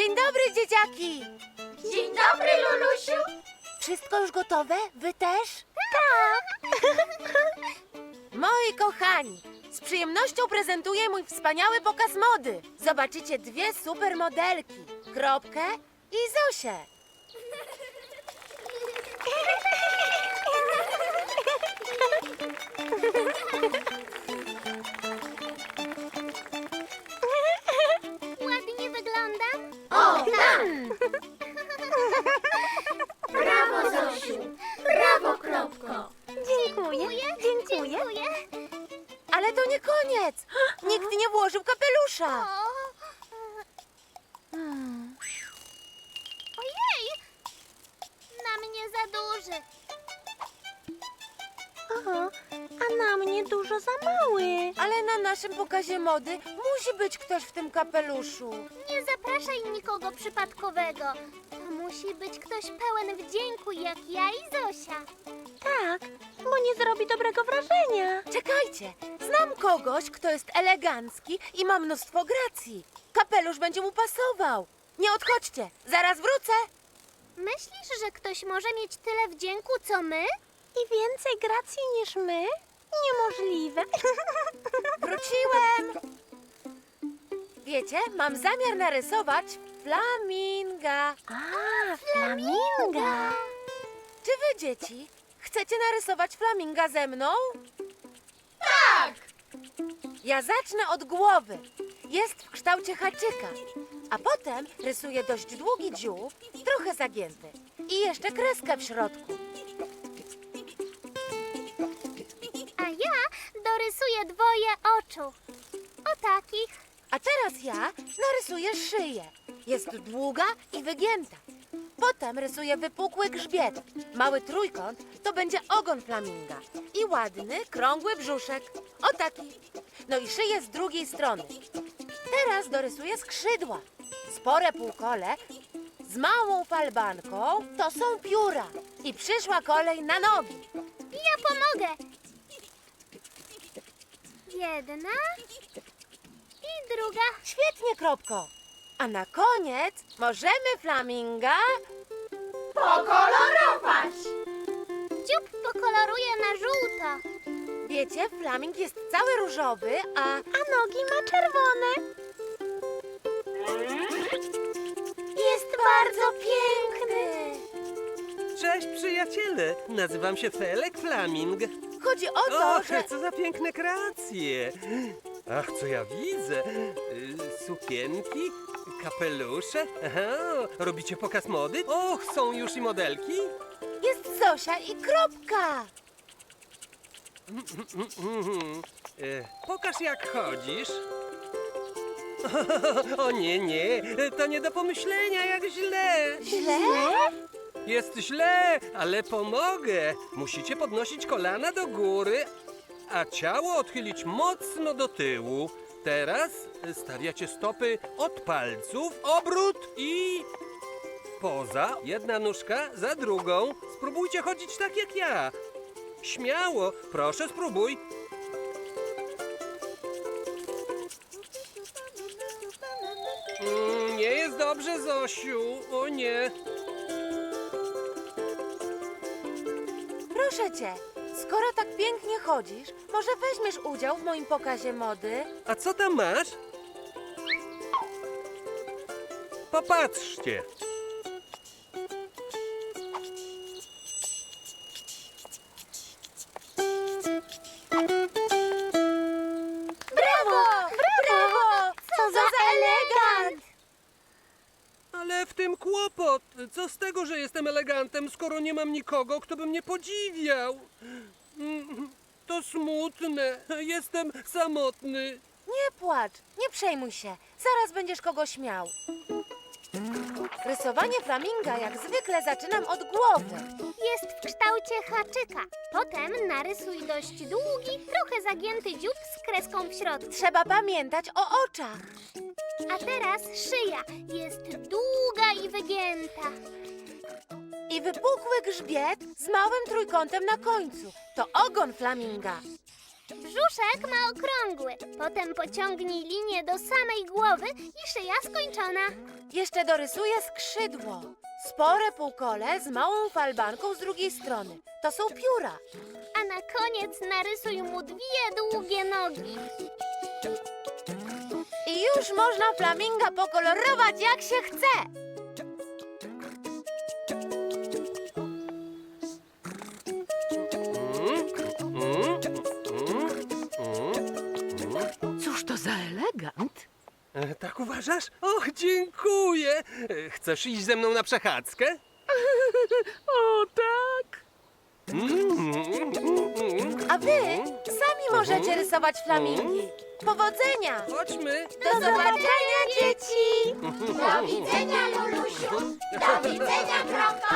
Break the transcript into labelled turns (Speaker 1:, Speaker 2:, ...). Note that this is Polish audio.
Speaker 1: Dzień dobry, dzieciaki!
Speaker 2: Dzień dobry, Lulusiu!
Speaker 1: Wszystko już gotowe? Wy też? Tak! Moi kochani, z przyjemnością prezentuję mój wspaniały pokaz mody. Zobaczycie dwie super modelki, Kropkę i Zosię.
Speaker 2: Ładnie wyglądam?
Speaker 1: O, tak!
Speaker 2: Brawo, Zosiu! Brawo, Kropko!
Speaker 3: Dziękuję.
Speaker 2: Dziękuję.
Speaker 1: Ale to nie koniec! Nikt nie włożył kapelusza!
Speaker 2: Ojej! Na mnie za duży.
Speaker 3: Aha, a na mnie dużo za mały.
Speaker 1: Ale na naszym pokazie mody musi być ktoś w tym kapeluszu.
Speaker 2: Nie zapraszaj nikogo przypadkowego. To musi być ktoś pełen wdzięku, jak ja i Zosia.
Speaker 3: Tak, bo nie zrobi dobrego wrażenia.
Speaker 1: Czekajcie, znam kogoś, kto jest elegancki i ma mnóstwo gracji. Kapelusz będzie mu pasował. Nie odchodźcie, zaraz wrócę.
Speaker 2: Myślisz, że ktoś może mieć tyle wdzięku, co my?
Speaker 3: I więcej gracji niż my? Niemożliwe.
Speaker 1: Wróciłem. Wiecie, mam zamiar narysować flaminga.
Speaker 3: A, flaminga.
Speaker 1: Czy wy, dzieci, chcecie narysować flaminga ze mną?
Speaker 2: Tak!
Speaker 1: Ja zacznę od głowy. Jest w kształcie haczyka. A potem rysuję dość długi dziób, trochę zagięty. I jeszcze kreskę w środku.
Speaker 2: A ja dorysuję dwoje oczu. O takich.
Speaker 1: A teraz ja narysuję szyję. Jest długa i wygięta. Potem rysuję wypukły grzbiet. Mały trójkąt to będzie ogon flaminga. I ładny, krągły brzuszek. O taki. No i szyję z drugiej strony. Teraz dorysuję skrzydła. Spore półkole z małą falbanką to są pióra. I przyszła kolej na nogi.
Speaker 2: Ja pomogę. Jedna i druga.
Speaker 1: Świetnie, Kropko. A na koniec możemy flaminga...
Speaker 2: Pokolorować. Dziób pokoloruję na żółto.
Speaker 1: Wiecie, flaming jest cały różowy,
Speaker 3: A nogi ma czerwone.
Speaker 1: jest bardzo piękny.
Speaker 4: Cześć przyjaciele, nazywam się Felek Flaming.
Speaker 1: Chodzi o to,
Speaker 4: Och,
Speaker 1: że...
Speaker 4: co za piękne kreacje. Ach, co ja widzę. Sukienki, kapelusze. Aha, robicie pokaz mody? Och, są już i modelki.
Speaker 1: Jest Zosia i Kropka.
Speaker 4: Pokaż jak chodzisz. O nie, nie, to nie do pomyślenia, jak źle.
Speaker 1: Źle?
Speaker 4: Jest źle, ale pomogę. Musicie podnosić kolana do góry, a ciało odchylić mocno do tyłu. Teraz stawiacie stopy od palców, obrót i poza. Jedna nóżka za drugą. Spróbujcie chodzić tak jak ja. Śmiało, proszę spróbuj. Nie jest dobrze, Zosiu. O nie.
Speaker 1: Proszę cię, skoro tak pięknie chodzisz, może weźmiesz udział w moim pokazie mody?
Speaker 4: A co tam masz? Popatrzcie.
Speaker 1: Brawo! Brawo! Co za elegant!
Speaker 4: Ale w tym kłopot. Co z tego, że jestem elegantem, skoro nie mam nikogo, kto by mnie podziwiał? To smutne. Jestem samotny.
Speaker 1: Nie płacz, nie przejmuj się. Zaraz będziesz kogoś miał. Rysowanie flaminga jak zwykle zaczynam od głowy.
Speaker 2: Jest w kształcie haczyka. Potem narysuj dość długi, trochę zagięty dziób z kreską w środku.
Speaker 1: Trzeba pamiętać o oczach.
Speaker 2: A teraz szyja. Jest długa i wygięta.
Speaker 1: I wypukły grzbiet z małym trójkątem na końcu. To ogon flaminga.
Speaker 2: Brzuszek ma okrągły. Potem pociągnij linię do samej głowy i szyja skończona.
Speaker 1: Jeszcze dorysuję skrzydło. Spore półkole z małą falbanką z drugiej strony. To są pióra.
Speaker 2: A na koniec narysuj mu 2 długie nogi.
Speaker 1: I już można flaminga pokolorować jak się chce.
Speaker 5: Cóż to za elegant?
Speaker 4: Tak uważasz? Och, dziękuję. Chcesz iść ze mną na przechadzkę?
Speaker 5: O, tak!
Speaker 1: A wy sami możecie rysować flamingi. Powodzenia!
Speaker 4: Chodźmy.
Speaker 1: Do zobaczenia, dzieci!
Speaker 2: Do widzenia, Lulusiu. Do widzenia, Kropko.